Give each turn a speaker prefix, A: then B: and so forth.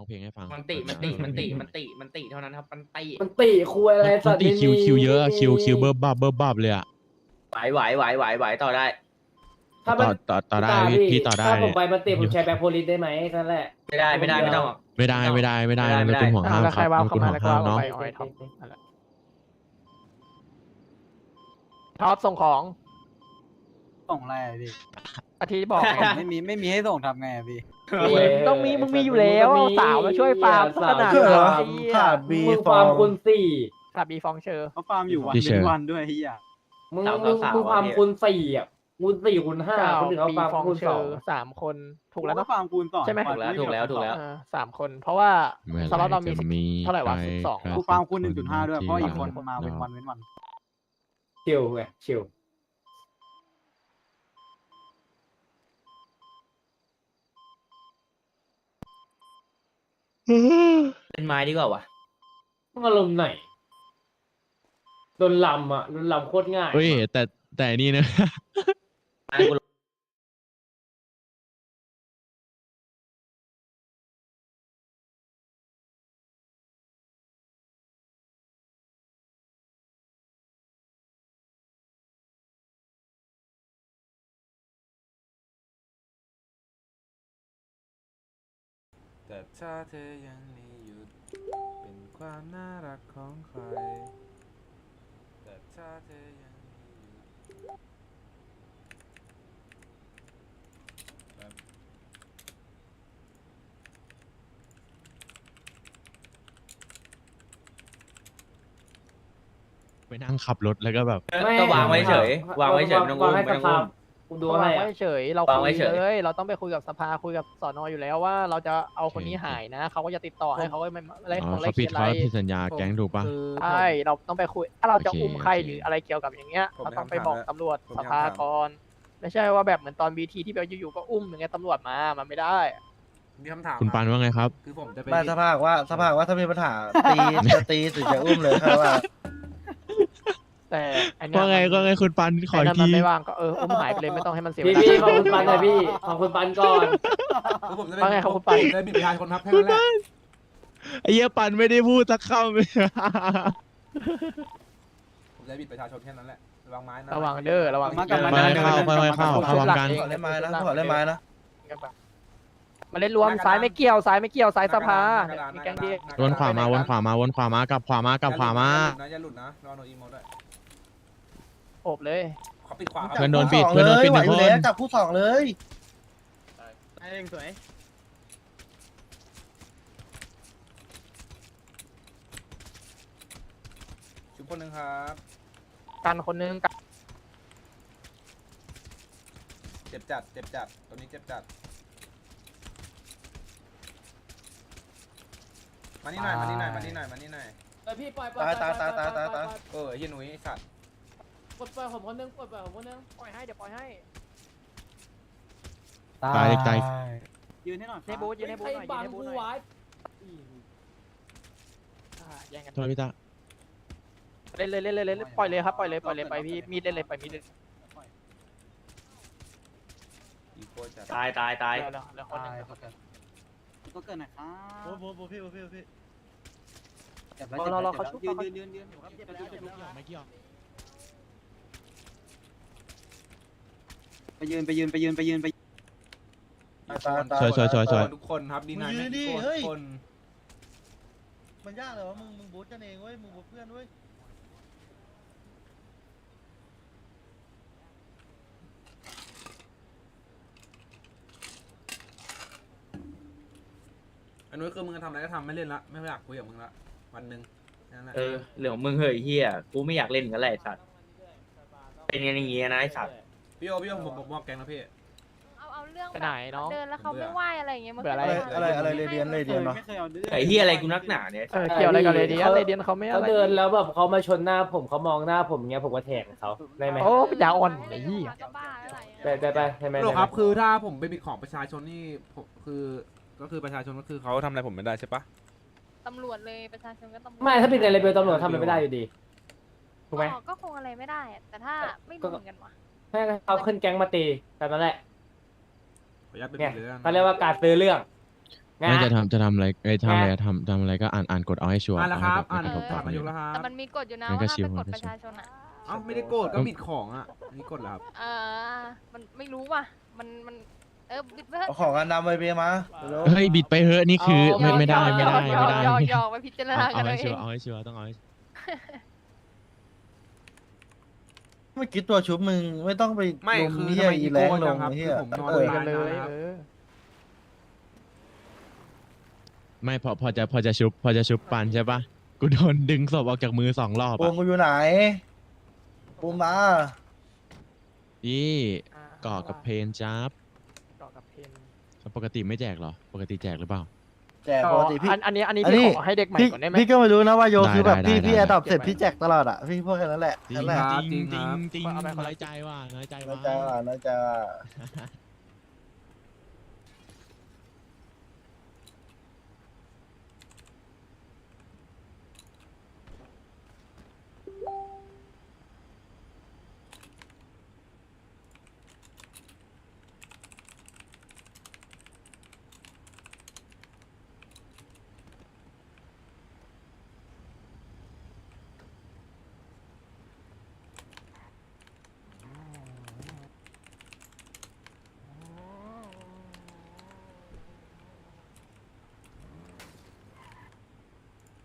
A: องเพลงให้ฟัง
B: มันติเท่านั้นครับมันติ
C: มันติคุยอะไร
A: มันตีคิวเยอะอะคิวเบิร์บับเลยอะ
B: ไหวต่อได้
C: ถ้ามัน
A: ต่อได้พี่ต่อได้
C: ถ้าผมไปมันติผมใช้แบ็คโพลิสได้ไหมนั่นแหละ
B: ไม่ได้ไม่ต้อง
A: ไม่ได้นายกุลห่วงห้าม
D: แล้ว
A: ค
D: ใคร
A: รับ
D: ว่า
A: นา
D: เข้าย
A: กุล
D: มา
A: ห่ว
D: แล้
A: ง
D: วก็
A: ห้าม
D: ว่า
A: เนาะ
D: ไปเอาไอ้ท็อปนั่นแหละท็อปส่งของ
E: ส่งอะไรอะพี่
D: อาทิตย์บอกไง
E: ไม่มีให้ส่งทำไงอะพี่
D: ต้องมีมึงมีอยู่แล้วเอาสาวมาช่วยฟาร์มขนาด
C: สาว
D: ไอ้เหี้ย
F: ขาดบี
C: มึง
F: ฟ
C: ฟา
F: อ
C: ร์ม
F: ง
C: คูณสี่
D: ขาดบีฟองเชอร์
E: เขาฟาร์มอยู่วันเป็นวันด้วยเฮีย
C: มึงฟาร์มคูณสี่อ่ะคูณสี่คูณห้า
D: เก้า
C: คนอื่นเขา
D: บี
C: ฟาร์ม
D: ฟอง
C: คูณ
D: เช
C: ส
D: อ
C: อง
D: ร์3 คนถูกแล้วเนาะ
E: ฟาร์มคูณสอง
D: ใช่ไหม
E: ปล่อย
B: ถูกแล้ว
D: 3 คน เพราะว่า
A: เมื่อ
D: สล็อตเรามี
A: จะ
D: เท่าไหร่วะ
A: ใค
D: 12
A: รับ
E: กูฟาร์มคูณ1.5ด้วยเพราะอีกคน
A: ที่
E: มาเป็นวันเว้นวัน
C: ชิลไงชิล
B: เป็นไม้ดีกว่าวะ
C: มึงอารมณ์ไหนโดนลำอ่ะโดนลำโคตรง่าย
A: เฮ้ยแต่นี่นะ
B: ไม้กู
G: แต่ถ้าเธอยังไม่หยุดเป็นความน่ารักของใครแต่ถ้าเธอยังไม่หยุดแบบ
A: ไปนั่งขับรถแล้วก็แบบ
B: ก็วางไว้เฉยวางไว้เฉยไม่ต้อง
C: วา
B: อุ้
C: ง
B: ม
C: ให้
B: ไม่
C: ส
B: ต้อง
C: ภา
B: อุ้
C: พ
B: ม
C: กูดู
D: วาง
C: ให้
D: ไว้
C: อ่ะ
D: เฉยเรา
B: วาง
D: คุ
B: ไว้
D: ย
B: เฉย
D: เลยเราต้องไปคุยกับสภาคุยกับสนอยู่แล้วว่าเราจะเอาคนนี้หายนะเขาก็จะติดต่อให้เขาก็ไม่อะไร
A: อ๋
D: ข
A: อ
D: องอะไร
A: เขาผิด
D: เขียนอะไร
A: เขาผิดสัญญาแก๊งถูกปะ
D: ใช่เราต้องไปคุยถ้าเราจะ
A: โอเค
D: อุ้มใคร
A: โอเค
D: หรืออะไรเกี่ยวกับอย่างเงี้ย
G: ผม
D: เรา
G: มี
D: ต้องไป
G: คำถาม
D: บอก
G: แล้ว
D: ตำรวจ
G: ผมมี
D: สภา
G: คำถาม
D: ก่อนไม่ใช่ว่าแบบเหมือนตอนบีทีที่แบบอยู่ๆก็อุ้มอย่างเงี้ยตำรวจมามันไม่ได้
G: มีคำถาม
A: คุณปันว่าไงครับ
G: คือผมจะไป
F: ไม่สภาพว่าถ้ามีปัญหาตีจะตีถึงจะอุ้มเลยครับว่า
D: แต่อันเนี้ย
A: ว่าไงคุณปันขอ
D: ไอ้
A: อี
D: นั่
A: ก
D: นมั
A: ที
D: นไม่ว่างก็อุ้มหายไปเลยไม่ต้องให้มันเสียเว
C: พี่
D: ลา
C: พี่ขอบคุณปันหน่อยพี่ขอบคุณปันก่อน
G: คือผมจะ
D: ว่าไงครับคุณปัน
G: ผมจะบิดประชาชนครับแค่นั้นแหละ
A: ไอ้เหี้ยปันไม่ได้พูดสักคำเลย
G: ผมจะบิดประชาชนแค่นั้นแหละระวังไม้นะ
D: ระวังเด้อระวัง
E: กลับมา
A: ค่อยๆเข้าพร้อมกัน
F: ขอเล่นไม้นะขอเล่นไม้นะ
D: มาเล่นรวมซ้ายไม่เกี่ยวซ้ายสภามีแกงดี
A: วนขวามากลับขวามากลับขวามา
G: อย่าหลุดนะระวังโดนอีโมด้วย
D: โอบเลย
G: เขาปิดขวา
A: เพื่อนโดนปิดเพื่อนโดนปิด
F: ไหว
A: หนึ่ง
F: อยู่
A: คน
F: แล้วจับคู่สองเลย
D: เองสวย
G: ชุบคนหนึ่งครับ
D: กันคนนึงกัน
G: เจ็บจัดตัวนี้เจ็บจัดมานี่หน่อย
C: พี่ปล่อย
F: ตาย
G: เฮียหนุ่ยไอ้สัตว์
C: ปลดผมคนนึงปลดผมคนนึง
D: ปล่อยให้เดี๋ยวปล่อยให้
A: ตายตาย
E: ยืนให้หน่อย
D: ในบูธยืนในบูธหน่อยยืนในบูธหน่อยแย่งกัน
A: โทษพี่ตา
D: เล่นเลยปล่อยเลยครับปล่อยเลยไปพี่มีดเล่นเลยไปมีดเล่น
G: อีโคจัด
B: ตาย
D: แล้วคนนึง
E: ก็เกินหน่อยครับ
F: โบพี่
D: เราเขาชุบ
E: ยืน
A: ไม่เกี่ยว
E: ไปยืนไป
A: สวย
G: ทุกคนครับดีนาย
F: มึงยืนดิ
G: ทุก
F: เฮ้ย
G: คน
F: มันยากเลยวะมึงบูทกันเองเว้ยมึงบูทเพื่อนเว้ย
G: อันนู้นคือมึงทำอะไรก็ทำไม่เล่นละไม่อยากคุยกับมึงละวันหนึ่งนั่นแหละ
B: เรื่องของมึงเฮ้ยเฮียกูไม่อยากเล่นกันแหละไอ้สัตว์เป็นกันอย่างงี้นะไอ้สัตว์
G: พี่โอผมมอบแกงนะพี่
H: เอาเรื่อง
D: ไปไหนน้อง
H: เดินแล้วเขาไม่ไหวอะไรอย่างเงี้ยมัน
D: เบื่ออะไร
F: อะไรเรเดียนเนาะ
E: ไม่เคยเอาดื้อ
B: ไอ้เฮียอะไรกูนักหนาเนี่ย
D: เกี่ยวอะไรกับเรเดียนเขาไม่
C: เขา
D: อะไร
C: เดินแล้วแบบเขามาชนหน้าผมเขามองหน้าผมเงี้ยผมก็แทงเขาได้ไหม
D: โอ้ปัญญาอ่อนไอ้ยี่
H: ก็บ้าอะไร
C: ไปใช่ไหม
G: โลครับคือถ้าผมไปบิดของประชาชนนี่ผมก็คือประชาชนก็คือเขาทำอะไรผมไม่ได้ใช่ปะ
H: ตำรวจเลยประชาชนก็ตำรวจ
C: ไม่ถ้าเป็นในเลเวลตำรวจทำอะไรไม่ได้อยู่ดีถูกไหม
H: ก็คงอะไรไม่ได้อะแต่ถ้าไม่รู้เหมือนกันว่ะ
C: ให้เขาขึ้นแก๊งมาตีแต่นั่นแหละ
G: ขออนุญาตเป็น
C: เนี่ย
G: เรื่อง
C: เขาเรียกว่าการซื้อเรื่อง
A: ไม่จะทำอะไรทำอะไรทำอะไรก็อ่านกฎเอาให้ชัวร์
G: อ่านแล้วครับ
A: เาให้
G: อ่าน
A: แบบ
G: ผ่าน
A: ไม่
G: มาก
A: ระทบ
G: ยกแล้วครับ
H: แต่มันมีกฎอยู่นะ
A: งั้นก็
H: ว่าห้าม
A: ชิว
H: ไปกด
A: งั้นก็
H: ประ
A: ชิว
H: ชาชนอ่ะ
G: เอ้าไม่ได้โกรธก็บิดของอ่ะอันนี่กดเหรอครับ
H: มันไม่รู้ว่ะ มันบิดไปเถ
F: เอา
H: อะ
F: ของอันดำไปเบียร์มาเร็ว
A: เฮ้ยบิดไปเฮ้อะนี่คือไม่ได้
H: หยอกไปพิจารณากั
A: เอา
H: นเล
A: ให้
H: ย
A: ชัวร์เอาให้ชัวร์ต้องเอาให้
F: เมื่อกี้ตัวชุบมึงไม่ต้องไป
G: ไม่
F: ลง
G: คือ
F: เฮี
G: ทำ
F: ย
G: ไม
F: อี
G: อี
F: แร
G: โก้
F: งล
G: จั
F: ง
G: งครับ
F: เฮี
G: คื
F: ย
G: อผมนอน
D: คุย
G: ตา
D: กัน
G: ย
D: เล
G: นาน
D: ย
G: แล้วครับ
A: ไม่พอจะชุบปันใช่ปะกูโดนดึงศพออกจากมือ2 รอบ
F: ปู
A: อ่ะ
F: มกูอยู่ไหนปูมมา
A: นี่เกาะกับเพนจับ
D: เกาะกับเพน
A: ปกติไม่แจกเหรอปกติแจกหรือเปล่า
F: แจกปกติพี่
D: อันนี้
F: อันนี้
D: พี่ขอให้เด็กใหม่
F: พี่
D: ก่อนได้ไหม
F: พี่ก็ไม่รู้นะว่าโยคือแบบ
A: ได้
F: พี่
A: ได้
F: แอดดอป
D: ได้
F: เสร็จพี่แจกตลอดอ่ะพี่พูดแค่นั้นแหละ
A: จริ
F: นั่
A: ง
F: นแหละ
A: จริง
G: จริงครับ
A: จริง
D: เอาไปคนละ
A: น้อยใจว่ะน้อยใจ
F: น้อ
A: ว่ะ
F: ยใจว่ะน้อยใจว่ะ